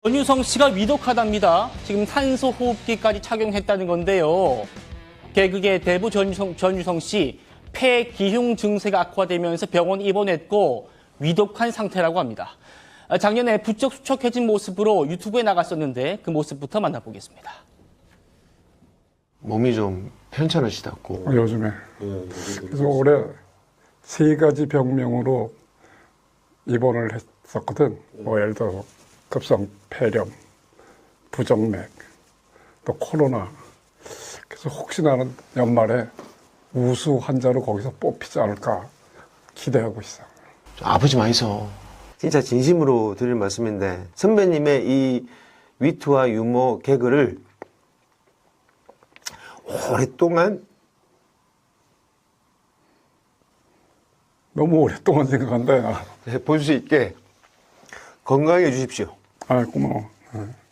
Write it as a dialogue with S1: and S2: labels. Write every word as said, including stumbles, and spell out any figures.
S1: 전유성 씨가 위독하답니다. 지금 산소 호흡기까지 착용했다는 건데요. 개그계 대부 전유성, 전유성 씨 폐기흉 증세가 악화되면서 병원 입원했고 위독한 상태라고 합니다. 작년에 부쩍 수척해진 모습으로 유튜브에 나갔었는데 그 모습부터 만나보겠습니다.
S2: 몸이 좀 편찮으시다고.
S3: 요즘에. 그래서 올해 세 가지 병명으로 입원을 했었거든. 뭐 예를 들어서 급성 폐렴, 부정맥, 또 코로나. 그래서 혹시 나는 연말에 우수 환자로 거기서 뽑히지 않을까 기대하고 있어.
S2: 아프지 마이소.
S4: 진짜 진심으로 드릴 말씀인데 선배님의 이 위트와 유머 개그를 오랫동안
S3: 너무 오랫동안 생각한다.
S4: 볼 수 있게 건강해 주십시오.
S3: 아, 고마워.